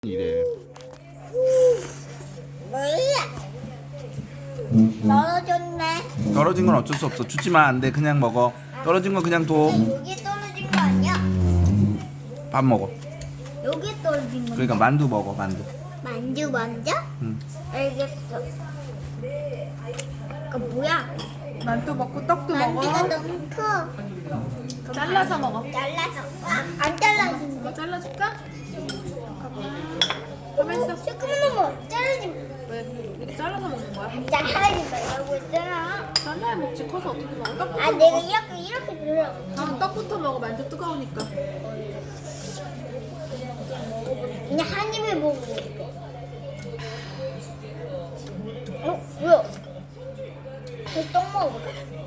이래. 떨어졌네. 떨어진 건 어쩔 수 없어. 주지만 안 돼. 그냥 먹어. 떨어진 건 그냥 둬. 여기 떨어진 거 아니야? 밥 먹어. 여기 떨어진 거. 그러니까 만두 먹어. 만두. 만두 먼저? 응. 알겠어. 그 뭐야? 만두 먹고 떡도 만두가 먹어. 너무 커. 잘라서 먹어. 잘라서. 안 잘라진대. 이거 잘라줄까? 가만 있어. 조금만 먹어. 잘라지. 왜? 이렇게 잘라서 먹는 거야? 잘라지 말라고 했잖아. 잘라야 먹지. 커서 어떻게 먹어? 떡부터 아 내가 먹어. 이렇게 들어. 아, 떡부터 먹어. 만두 뜨거우니까. 그냥 한 입에 먹고. 뭐야? 떡 먹어볼까?